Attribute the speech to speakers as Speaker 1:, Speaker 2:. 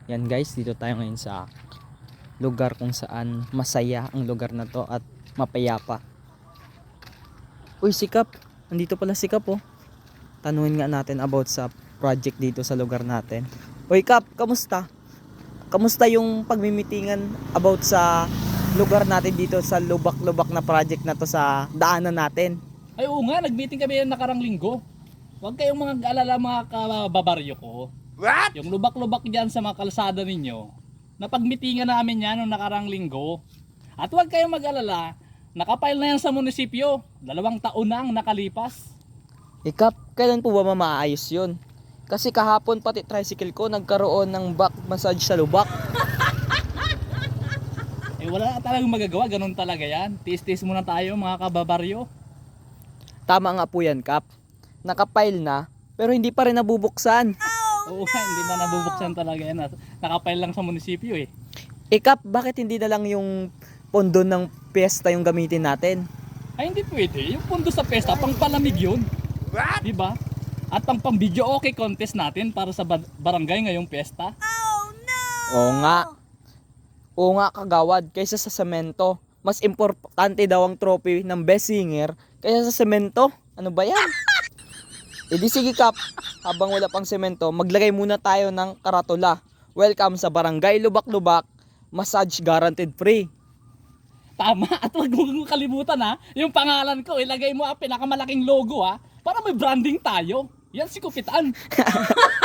Speaker 1: Yan guys, dito tayo ngayon sa lugar kung saan masaya ang lugar na to at mapayapa. Uy, si Kap. Nandito pala si Kap oh. Tanungin nga natin about sa project dito sa lugar natin. Uy Kap, kamusta? Kamusta yung pagmimitingan about sa lugar natin dito sa lubak-lubak na project na to sa daanan natin?
Speaker 2: Ay oo nga, nag-meeting kami yung nakarang linggo. Huwag kayong mga alala mga kababaryo ko.
Speaker 3: What?
Speaker 2: Yung lubak-lubak dyan sa mga kalsada ninyo, napagmitingan namin yan noong nakarang linggo. At huwag kayong mag-alala, nakapile na yan sa munisipyo. 2 taon na ang nakalipas.
Speaker 1: Kap, kailan po ba maayos yun? Kasi kahapon pati tricycle ko nagkaroon ng back massage sa lubak.
Speaker 2: Eh wala na talagang magagawa, ganun talaga yan. Tiis-tiis muna tayo mga kababaryo.
Speaker 1: Tama nga po yan, Kap. Nakapile na, pero hindi pa rin nabubuksan.
Speaker 2: Oo nga, hindi na nabubuksan talaga yan. Nakapile lang sa munisipyo eh.
Speaker 1: Kap, bakit hindi na lang yung pondo ng piyesta yung gamitin natin?
Speaker 2: Ay hindi pwede, yung pundo sa pesta, pang palamig yun.
Speaker 3: What?
Speaker 2: Diba? At pang video okay contest natin para sa barangay ngayong piyesta.
Speaker 1: Oo nga. Oo nga, kagawad, kaysa sa semento. Mas importante daw ang trophy ng best singer kaysa sa semento. Ano ba yan? E di sige Kap, habang wala pang semento, maglagay muna tayo ng karatula. Welcome sa Barangay Lubak-Lubak, massage guaranteed free.
Speaker 2: Tama, at huwag mong kalimutan ha, yung pangalan ko, ilagay mo ang pinakamalaking logo ha, para may branding tayo. Yan si Kupitan.